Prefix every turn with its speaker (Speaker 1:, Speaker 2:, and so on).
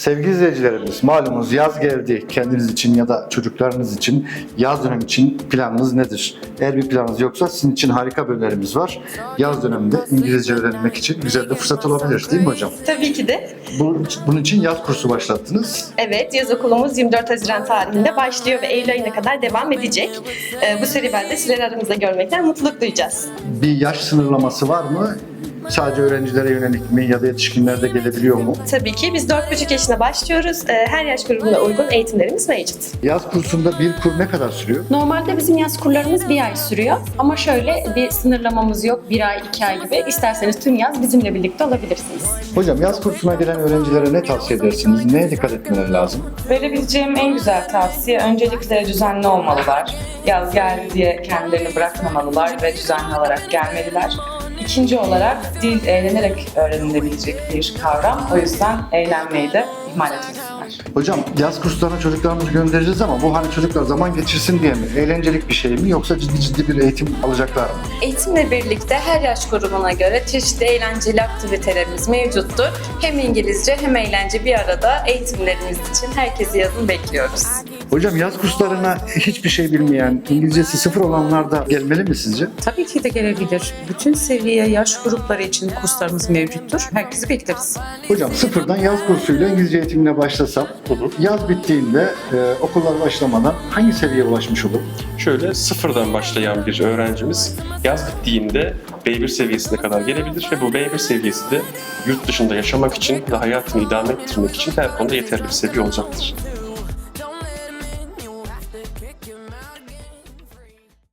Speaker 1: Sevgili izleyicilerimiz, malumunuz yaz geldi. Kendiniz için ya da çocuklarınız için yaz dönemi için planınız nedir? Eğer bir planınız yoksa sizin için harika bir önerimiz var. Yaz döneminde İngilizce öğrenmek için güzel bir fırsat olabilir, değil mi hocam?
Speaker 2: Tabii ki de.
Speaker 1: Bunun için yaz kursu başlattınız.
Speaker 2: Evet, yaz okulumuz 24 Haziran tarihinde başlıyor ve Eylül ayına kadar devam edecek. Bu serüvende sizleri aramızda görmekten mutluluk duyacağız.
Speaker 1: Bir yaş sınırlaması var mı? Sadece öğrencilere yönelik mi ya da yetişkinler de gelebiliyor mu?
Speaker 2: Tabii ki biz 4,5 yaşına başlıyoruz. Her yaş grubuna uygun eğitimlerimiz mevcut.
Speaker 1: Yaz kursunda bir kur ne kadar sürüyor?
Speaker 3: Normalde bizim yaz kurlarımız bir ay sürüyor. Ama şöyle bir sınırlamamız yok. Bir ay, 2 ay gibi. İsterseniz tüm yaz bizimle birlikte olabilirsiniz.
Speaker 1: Hocam yaz kursuna gelen öğrencilere ne tavsiye edersiniz? Neye dikkat etmeleri lazım?
Speaker 4: Verebileceğim en güzel tavsiye öncelikle düzenli olmalılar. Yaz geldi diye kendilerini bırakmamalılar ve düzenli olarak gelmeliler. İkinci olarak dil eğlenerek öğrenilebilecek bir kavram. O yüzden eğlenmeyi de ihmal etmesinler.
Speaker 1: Hocam yaz kurslarına çocuklarımızı göndereceğiz ama bu hani çocuklar zaman geçirsin diye mi? Eğlencelik bir şey mi yoksa ciddi bir eğitim alacaklar mı?
Speaker 5: Eğitimle birlikte her yaş grubuna göre çeşitli eğlenceli aktivitelerimiz mevcuttur. Hem İngilizce hem eğlence bir arada eğitimlerimiz için herkesi yazın bekliyoruz.
Speaker 1: Hocam yaz kurslarına hiçbir şey bilmeyen, İngilizcesi sıfır olanlar da gelmeli mi sizce?
Speaker 6: Tabii ki de gelebilir. Bütün seviye yaş grupları için kurslarımız mevcuttur. Herkesi bekleriz.
Speaker 1: Hocam sıfırdan yaz kursuyla İngilizce eğitimine başlasam, yaz bittiğinde okullar başlamadan hangi seviyeye ulaşmış olur?
Speaker 7: Şöyle sıfırdan başlayan bir öğrencimiz yaz bittiğinde B1 seviyesine kadar gelebilir ve bu B1 seviyesi de yurt dışında yaşamak için ve hayatını idame ettirmek için her konuda yeterli bir seviye olacaktır.